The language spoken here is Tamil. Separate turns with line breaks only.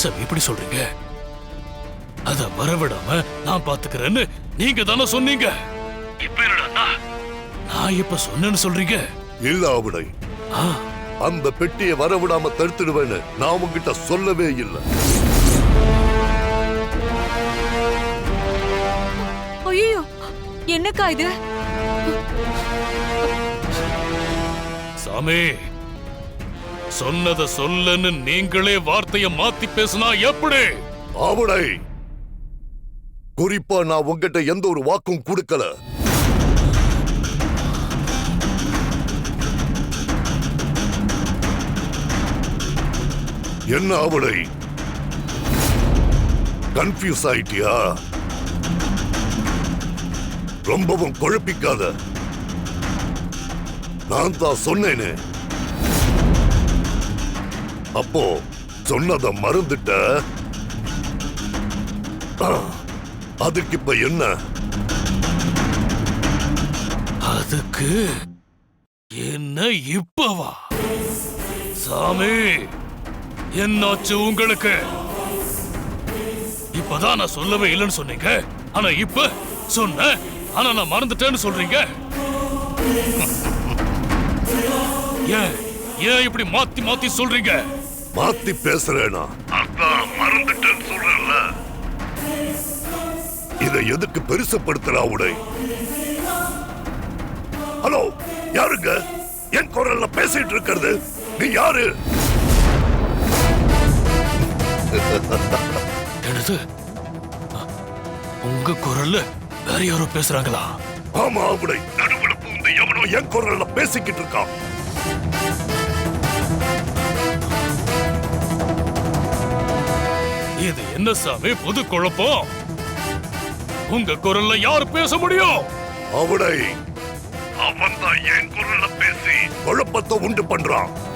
சார் இப்படி சொல்றீங்க? அத வரவிடாம நான் பாத்துக்கிறேன்னு நீங்க தானே சொன்னீங்க. இப்ப என்னடா நான் இப்ப சொன்னேன்னு சொல்றீங்க?
இல்ல ஆவுடை, அந்த பெட்டியை வரவிடாம தடுத்துடுவேன்னு நான் உங்ககிட்ட சொல்லவே இல்லை.
ஐயோ, என்னக்கா இது?
சாமி, சொன்னத சொல்லன்னு நீங்களே வார்த்தைய மாத்தி பேசினா எப்படி?
ஆவுடை, குறிப்பா நான் உங்ககிட்ட எந்த ஒரு வாக்கும் கொடுக்கல. என்ன ஆவுடை, கன்ஃபியூஸ் ஆயிட்டியா? ரொம்பவும் குழப்பிக்காத. நான் தான் சொன்னேனே. அப்போ சொன்னதை மறந்துட்ட. அதுக்கு இப்ப என்ன?
அதுக்கு என்ன இப்பவா? சாமி, என்னாச்சு உங்களுக்கு? இப்பதான் நான் சொல்லவே இல்லைன்னு சொன்னீங்க, ஆனா இப்ப சொன்ன ஆனா நான் மறந்துட்டேன்னு சொல்றீங்க. ஏன் ஏன் இப்படி மாத்தி மாத்தி சொல்றீங்க?
மாத்தி பேசுறேனா? அதான் மறந்துட்டேன்னு சொல்றேன்ல. இதை எதுக்கு பெருசுப்படுத்துறா உடை? ஹலோ, யாருங்க என் குரல்ல பேசிட்டு இருக்கிறது? நீ யாரு?
என்னது? உங்க குரல்ல வேற யாரோ பேசுறாங்களா?
ஆமா உடை, நடுவுல பூந்து எவனோ என் குரல்ல பேசிக்கிட்டு இருக்கான்.
இது என்ன சாமி புது குழப்பம்? உங்க குரல்ல யார் பேச முடியும்?
அவடை, அவன் தான் என் குரல்ல பேசி குழப்பத்தை உண்டு பண்றான்.